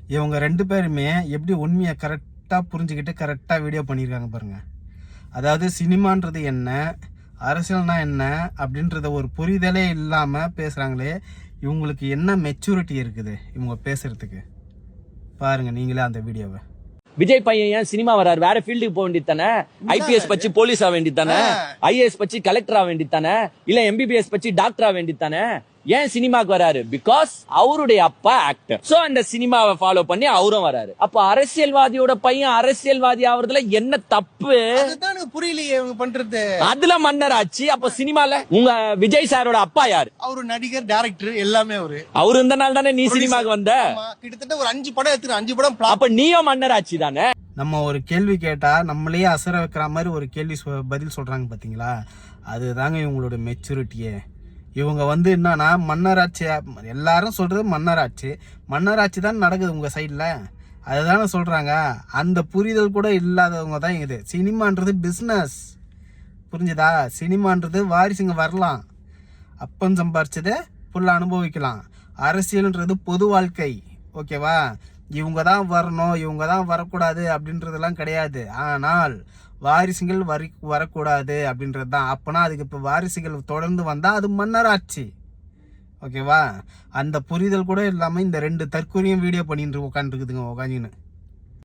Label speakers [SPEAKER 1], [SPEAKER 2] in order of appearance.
[SPEAKER 1] இவங்க 2 பேருமே எப்படி உண்மையை கரெக்டாக புரிஞ்சுக்கிட்டு கரெக்டாக வீடியோ பண்ணியிருக்காங்க பாருங்கள். அதாவது சினிமான்றது என்ன, அரசியல்னா என்ன அப்படின்றத ஒரு புரிதலே இல்லாமல் பேசுகிறாங்களே, இவங்களுக்கு என்ன மெச்சூரிட்டி இருக்குது இவங்க பேசுகிறதுக்கு? பாருங்கள் நீங்களே அந்த வீடியோவை.
[SPEAKER 2] விஜய் பையன் ஏன் சினிமா வராரு? வேற ஃபீல்டுக்கு போக வேண்டியது தானே? ஐபிஎஸ் பச்சு போலீஸ் ஆக வேண்டியது தானே? ஐஏஎஸ் பச்சு கலெக்டர் ஆக வேண்டியது தானே? இல்ல எம்பிபிஎஸ் பச்சு டாக்டர் ஆக வேண்டியது தானே? ஏன் சினிமாக்கு வராரு? பிகாஸ் அவருடைய அப்பா ஆக்டர். சோ அந்த சினிமாவை ஃபாலோ பண்ணி அவரும் வராரு. அப்ப அரசியல்வாதியோட பையன் அரசியல்வாதி ஆவறதுல என்ன தப்பு?
[SPEAKER 3] அதுதான் புரியலையே இவங்க பண்றது.
[SPEAKER 2] அதுல மன்னர் ஆச்சு. அப்ப சினிமால உங்க விஜய் சாரோட அப்பா யாரு?
[SPEAKER 3] அவரு நடிகர், டைரக்டர் எல்லாமே
[SPEAKER 2] அவரு இருந்த நாள் தானே நீ சினிமாக்கு வந்த.
[SPEAKER 3] கிட்டத்தட்ட ஒரு 5 படம் எடுத்து 5 படம்.
[SPEAKER 2] அப்ப நீயும் மன்னர் ஆச்சு தானே.
[SPEAKER 1] நம்ம ஒரு கேள்வி கேட்டா நம்மளையே அசர வைக்கிற மாதிரி ஒரு கேள்வி பதில் சொல்றாங்க பாத்தீங்களா? அதுதாங்க இவங்களோட மெச்சூரிட்டியே. இவங்க என்னன்னா மன்னராட்சி, எல்லாரும் சொல்றது மன்னராட்சி தான் நடக்குது உங்க சைட்ல, அதுதானே சொல்றாங்க. அந்த புரிதல் கூட இல்லாதவங்க தான் இது. சினிமான்றது பிஸ்னஸ், புரிஞ்சுதா? சினிமான்றது வாரிசுங்க வரலாம், அப்பன் சம்பாரிச்சதை ஃபுல்லாக அனுபவிக்கலாம். அரசியல்ன்றது பொது வாழ்க்கை, ஓகேவா? இவங்க தான் வரணும், இவங்க தான் வரக்கூடாது அப்படின்றதெல்லாம் கிடையாது. ஆனால் வாரிசுகள் வரக்கூடாது அப்படின்றது தான். அப்போனா அதுக்கு இப்போ வாரிசுகள் தொடர்ந்து வந்தால் அது மன்னராட்சி, ஓகேவா? அந்த புரிதல் கூட இல்லாமல் இந்த 2 தற்கொலையும் வீடியோ பண்ணிட்டு உட்காந்துருக்குதுங்க உட்காந்துன்னு.